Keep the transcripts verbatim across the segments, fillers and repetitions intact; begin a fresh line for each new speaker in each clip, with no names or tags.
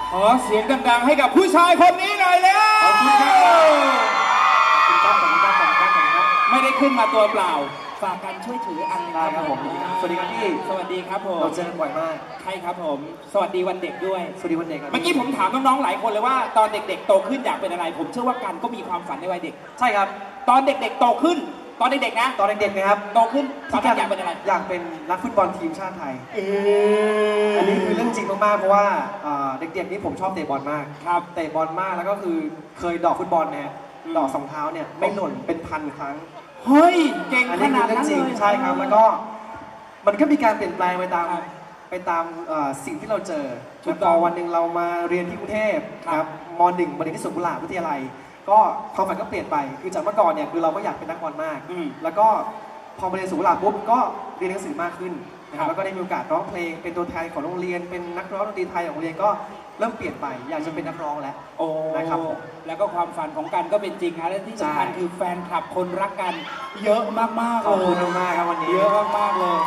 ขอเสียงดังๆให้กับผู้ชายคนนี้หน่อยแล้วขอบคุณครับขอบคุณครับขอบคุณครับขอบคุณครับขอบคุณครับไม่ได้ขึ้นมาตัวเปล่าฝากกันช่วยถืออันได้ครับผมสวัสดีครับพี่สวัสดีครับผมเราเจอกันบ่อยมากใช่ครับผมสวัสดีวันเด็กด้วยสวัสดีวันเด็กเมื่อกี้ผมถามน้องๆหลายคนเลยว่าตอนเด็กๆโตขึ้นอยากเป็นอะไรผมเชื่อว่ากันก็มีความฝันในวัยเด็กใช่ครับตอนเด็กๆโตขึ้นตอนเด็กๆนะตอนเด็กๆนะครับโตขึ้นตอนนั้นอยากเป็นอะไรอยากเป็นนักฟุตบอลทีมชาติไทยอันนี้คือเรื่องจริงมากๆเพราะว่าเด็กๆนี่ผมชอบเตะบอลมากครับเตะบอลมากแล้วก็คือเคยดอกฟุตบอลเนี่ยดอกสองเท้าเนี่ยไม่หล่นเป็นพันครั้งเฮ้ยเก่งขนาดนั้นเลยใช่ครับแล้วก็มันก็มีการเปลี่ยนแปลงไปตามไปตามสิ่งที่เราเจอจนต่อวันหนึ่งเรามาเรียนที่กรุงเทพครับมหนึ่งมาเรียนที่สวนกุหลาบวิทยาลัยก็ความฝันก็เปลี่ยนไปคือจากเมื่อก่อนเนี่ยคือเราก็อยากเป็นนักบอลมากแล้วก็พอมาเรียนสวนกุหลาบปุ๊บก็เรียนหนังสือมากขึ้นนะครับแล้วก็ได้มีโอกาสร้องเพลงเป็นตัวแทนของโรงเรียนเป็นนักร้องดนตรีไทยของโรงเรียนก็เริ่มเปลี่ยนไปอยากจะเป็นนักร้องแล้วโอ้นะครับแล้วก็ความฝันของกันก็เป็นจริงนะและที่สำคัญคือแฟนคลับคนรักกันเยอะมากๆเลยขอบคุณมากครับวันนี้เยอะมากๆเลย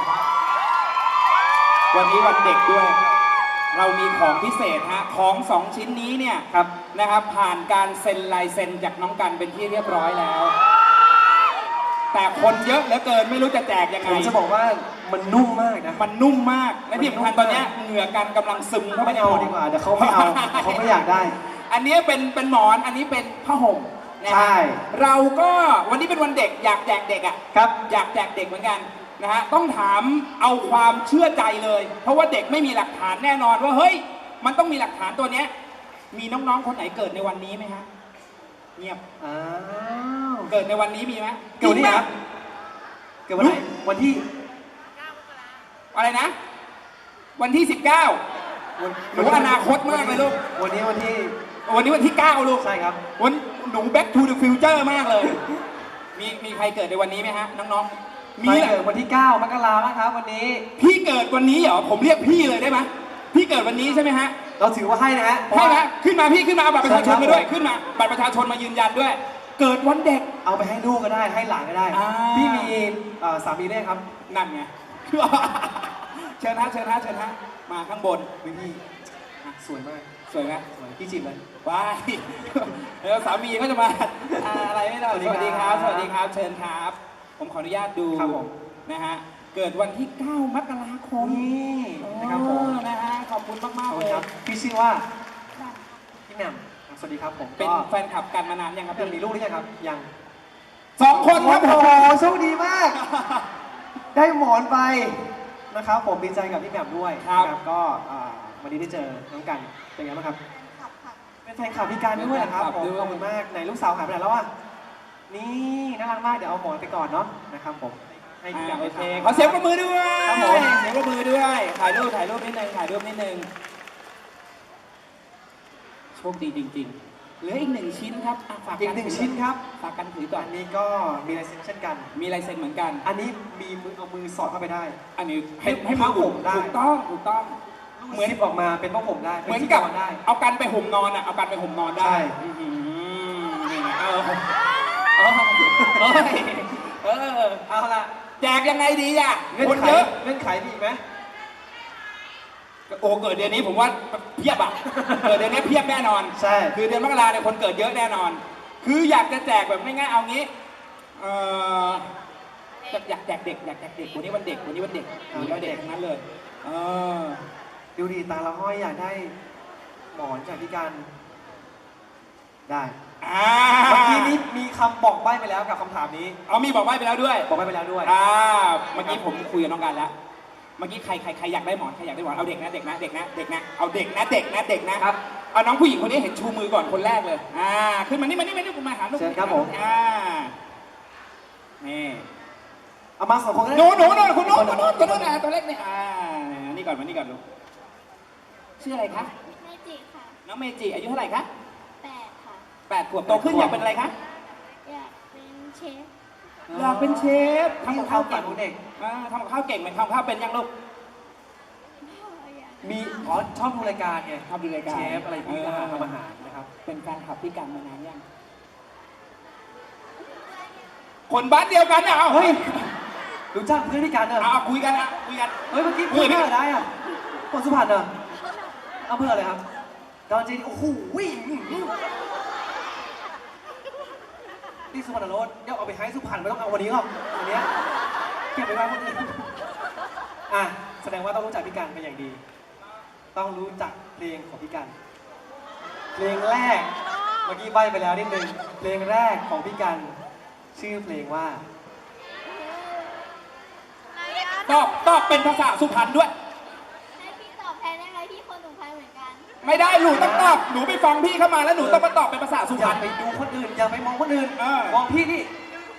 วันนี้วันเด็กด้วยเรามีของพิเศษฮะของสองชิ้นนี้เนี่ยครับนะครับผ่านการเซ็นลายเซ็นจากน้องกันเป็นที่เรียบร้อยแล้วแต่คนเยอะเหลือเกินไม่รู้จะแจกยังไงผมจะบอกว่ามันนุ่มมากนะมันนุ่มมากและที่สำคัญตอนนี้เหงื่อกันกำลังซึมเข้าไปในหมอนดีกว่าเดี๋ยวเขาไม่เอาเขาไม่อยากได้อันนี้เป็นเป็นหมอนอันนี้เป็นผ้าห่มใช่เราก็วันนี้เป็นวันเด็กอยากแจกเด็กอ่ะครับอยากแจกเด็กเหมือนกันนะฮะต้องถามเอาความเชื่อใจเลยเพราะว่าเด็กไม่มีหลักฐานแน่นอนว่าเฮ้ยมันต้องมีหลักฐานตัวเนี้ยมีน้องๆคนไหนเกิดในวันนี้ไหมฮะเงียบอ้าวเกิดในวันนี้มีไหมเกิดวันนี้ครับเกิดวันไหนวันที่อะไรนะวันที่สิบเก้าหนูอนาคตมากเลยลูกวันนี้วันที่วันนี้วันที่เก้าลูกใช่ครับวันหนู back to the future มากเลยมีมีใครเกิดในวันนี้ไหมฮะน้องๆมีเกิดวันที่เก้ามกราคมครับวันนี้พี่เกิดวันนี้เหรอผมเรียกพี่เลยได้ไหมพี่เกิดวันนี้ใช่ไหมฮะเราถือว่าให้นะฮะให้นะขึ้นมาพี่ขึ้นมาเอาบัตรประชาชนมาด้วยขึ้นมาบัตรประชาชนมายืนยันด้วยเกิดวันเด็กเอาไปให้ลูกก็ได้ให้หลานก็ได้พี่มีสามีได้ครับนั่นไงเชิญฮะเชิญฮะเชิญฮะมาข้างบนพี่สวยมากสวยไหมสวยพี่จีบเลยว้ายแล้วสามีก็จะมาอะไรไม่ได้สวัสดีครับสวัสดีครับเชิญครับผมขออนุญาตดูนะฮะเกิดวันที่เก้ามกราคมนี่นะครับผมนะฮะขอบคุณมากๆเลยครับพี่ชื่อว่าพี่แหม่มสวัสดีครับผมเป็นแฟนคลับกันมานานยังครับมีลูกหรือยังครับยังสองคนครับโอ้โหโชคดีมากได้หมอนไปนะครับผมดีใจกับพี่แหม่มด้วยครับก็วันนี้ได้เจอน้องกันเป็นไงบ้างครับเป็นแฟนคลับพี่กันด้วยนะครับผมขอบคุณมากไหนลูกสาวหายไปไหนแล้วอ่ะนี่น่ารักมากเดี๋ยวเอาหมอนไปก่อนเนาะนะครับผมให้พี่กันโอเคขอเสียงปรบมือด้วยเสียงปรบมือด้วยถ่ายรูปถ่ายรูปนิดนึงถ่ายรูปนิดนึงโชคดีจริงๆเหลืออีกหนึ่งชิ้นครับฝากอีกหนึ่งชิ้นครับฝากกันถือก่อนอันนี้ก็มีลายเซ็นเช่นกันมีลายเซ็นเหมือนกันอันนี้มีมือเอามือสอดเข้าไปได้อันนี้ให้ให้ผ้าห่มได้ถูกต้องถูกต้องเหมือนออกมาเป็นผ้าห่มได้เหมือนกับเอากันไปห่มนอนอ่ะเอากันไปห่มนอนได้นี่เออเออเออเอาละแจกยังไงดีอ่ะคนเยอะเงื่อนไขมีไหมโอ้เกิดเดือนนี้ผมว่าเพียบอ่ะเกิดเดือนนี้เพียบแน่นอนใช่คือเดือนมกราเนี่ยคนเกิดเยอะแน่นอนคืออยากจะแจกแบบง่ายๆเอางี้เอออยากแจกเด็กอยากแจกเด็กวันนี้วันเด็กวันนี้วันเด็กวันนี้วันเด็กทั้งนั้นเลยเออดูดีตาละห้อยอยากได้หมอนจากพี่กันได้เมื่อกี้นี้มีคำบอกใบ้ไปแล้วกับคำถามนี้เอามีบอกใบ้ไปแล้วด้วยบอกใบ้ไปแล้วด้วยอ่าเมื่อกี้ผมคุยกับน้องกันแล้วเมื่อกี้ใครใครใครอยากได้หมอนใครอยากได้หมอนเอาเด็กนะเด็กนะเด็กนะเด็กนะเอาเด็กนะเด็กนะเด็กนะครับเอาน้องผู้หญิงคนนี้เห็นชูมือก่อนคนแรกเลยอ่าขึ้นมานี่มานี่มานี่ผมมาหาลูกเชิญครับผมอ่านี่เอามาสองคนหนูหนูหนูคุณโน้ตคุณโน้ตคุณโน้ตนะตัวเล็กนี่อ่านี่ก่อนมานี่ก่อนลูกชื่ออะไรคะเมจิค่ะน้องเมจิอายุเท่าไหร่คะแปดค่ะแปดขวบโตขึ้นอยากเป็นอะไรคะอยากเป็นเชฟอยากเป็นเชฟทำกับข้าวเก่งเด็กทำกับข้าวเก่งไหมทำกับข้าวเป็นยังลูกมีอ๋อชอบดูรายการไงชอบดูรายการเชฟอะไรพวกนี้ทำอาหารนะครับเป็นแฟนคลับพี่กันมานานยังคนบ้านเดียวกันอ่ะเฮ้ยรู้จักเพื่อนพี่กันเหรอเอาคุยกันนะคุยกันเฮ้ยเมื่อกี้พูดเพื่ออะไรอ่ะคนสุพรรณเหรอเอาเพื่ออะไรครับ
ตอนจริงโอ้โหนี่สุพรรณโรสเดี๋ยวเอาไปให้สุพรรณไม่ต้องเอาวันนี้หรอกวันนี้เก็บไปไว้วันนี้อ่ะแสดงว่าต้องรู้จักพี่กันเป็นอย่างดี ต้องรู้จักเพลงของพี่กันเพลงแรกเมื่อกี้ใบ้ไปแล้วนิดนึงเพลงแรกของพี่กันชื่อเพลงว่า
ตอบตอบเป็นภาษาสุพรรณด้วย
ให้พี่ตอบแทนได้ไหมพี่คนสุพรรณเหมือนกัน
ไม่ได้หนูต้องตอบหนูไปฟังพี่เข้ามาแล้วหนูต้องมาตอบเป็นภาษาสุ
อ
พร
ย่าร
ณ
ไปดูคนอื่นอย่าไปมองคนอื่น
เออ
มองพี่นี่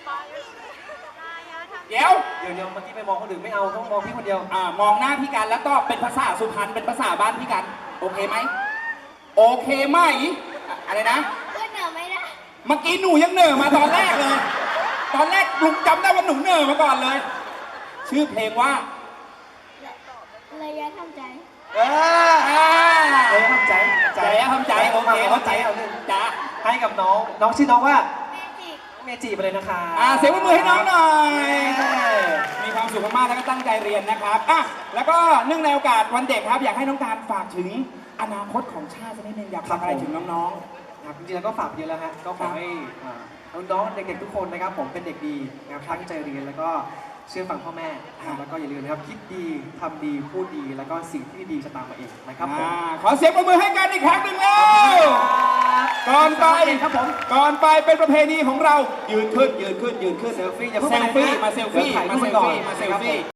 เดี๋ยว
เดี๋ยวเดี๋ยวเมื่อกี้ไปมองคนอื่นไม่เอาต้องมองพี่คนเดียว
อ่ามองหน้าพี่กันแล้วตอบเป็นภาษาสุพรรณเป็นภาษาบ้านพี่กันโอเคไหมโอเคไหมอะอะไรนะ
ขึ้นเหนือไม่ได้
เมื่อกี้หนูยังเหน่อมาตอนแรกเลย ตอนแรกลุงจำได้ว่าหนูเหน่อมาก่อนเลย ชื่อเพลงว่า
ระยะทำใจ
เออ
อ่า
เลยทำใจ
ใจทำใจโอเค
เข้าใจเอาหนึ่ง
จ้า
ให้กับน้องน้องชื่อน้องว่า
แม่จิก
เมจิไปเลยนะคะ
อ่าเสียงปรบมือให้น้องหน่อย มีความสุขมากๆแล้วก็ตั้งใจเรียนนะครับอ่ะแล้วก็เนื่องในโอกาสวันเด็กครับอยากให้น้องการฝากถึงอนาคตของชาติสักนิดนึงอยากฝากอะไรถึงน้อง
ครับจริงๆแล้วก็ฝากเยอะแล้วฮะก็ขอให้อ่าน้องๆเด็กๆทุกคนนะครับผมเป็นเด็กดีนะครับตั้งใจเรียนแล้วก็เชื่อฟังพ่อแม่นะครับแล้วก็อย่าลืมนะครับคิดดีทำดีพูดดีแล้วก็สิ่งที่ดีจะตามมาเองนะ
ๆ
ครับผม
อ่าขอเสียงปรบมือให้กันอีกครั้งหนึ่งแล้ว ก่อนไป
ครับผม
ก่อนไปเป็นประเพณีของเรายืนขึ้นยืนขึ้นยืนขึ้น
เซลฟี่อย่าเพิ่ง
เซลฟี่
ไปไหนนะ
มาเซลฟี่
เดี๋ยวถ่ายรู
มา
ป
เซล
ก่อน
ฟี่มาเซล
นะครับผม
ฟี่